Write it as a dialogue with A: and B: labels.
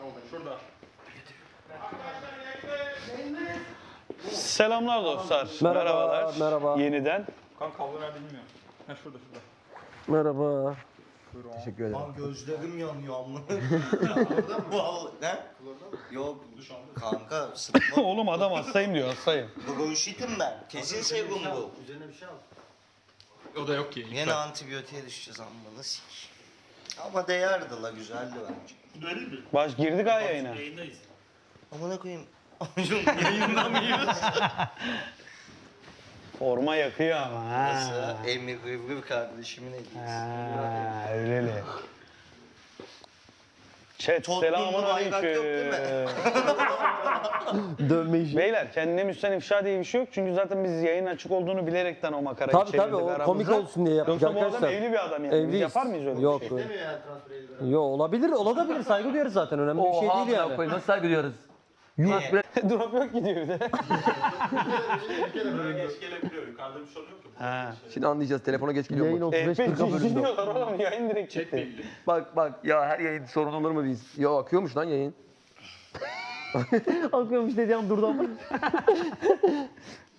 A: Şurada.
B: Selamlar dostlar.
C: Merhaba,
B: Merhabalar.
C: merhaba.
B: Yeniden.
A: Kanka kablo nerede bilmiyorum. Ha şurada.
C: Merhaba.
A: Buyurun.
C: Teşekkür ederim.
D: Lan gözlerim yanıyor amma. Vallahi ne? Yok kanka sıkma.
B: Oğlum adam hastayım diyor, hastayım.
D: Bronşitim ben. Kesin serum bu.
E: Üzerine bir şey al.
A: O da yok ki.
D: Yine antibiyotiğe düşeceğiz amma nasıl ama değerdi la güzeldi bence.
B: Baş girdik ha yayına.
E: Yayındayız.
D: Amına koyayım. Yayında mıyız?
B: Forma yakıyor ama ha.
D: Nasıl? Emir Gıvgıv kardeşimin hediyesi.
B: Ha, öyleli. Chat
D: Tottenham'da
B: selamun
D: bayrak yok değil
B: aleyküm.
C: Dövme işi.
B: Beyler kendine müsten ifşa diye bir şey yok. Çünkü zaten biz yayın açık olduğunu bilerekten o makarayı
C: Tabii
B: çevirdik
C: tabii o
B: aramızda.
C: komik olsun diye yaptık
B: Yoksa bu adam
C: arkadaşlar.
B: evli bir adam yani. Biz
C: Evliyiz.
B: yapar mıyız öyle
C: Yok,
B: bir şey?
E: Demiyor yani transfer eldiven.
C: Yo olabilir, olabilir. Saygı duyarız zaten. Önemli bir şey değil yani.
F: Nasıl saygı duyuyoruz?
B: Drop yok gidiyor bir de.
A: Geç gelebiliyor. Yukarıda bir sorun yok ki.
B: Ha.
F: Şimdi anlayacağız. Telefona geç geliyor
C: Yayın
F: mu?
C: 35-40'a bölündü.
B: Gidiyorlar oğlum yayın direkt
A: Chat
B: gitti.
A: belli.
F: Bak ya her yayın sorun olur mu biz? Ya akıyormuş lan yayın.
C: Akıyormuş dediğim durdu ama.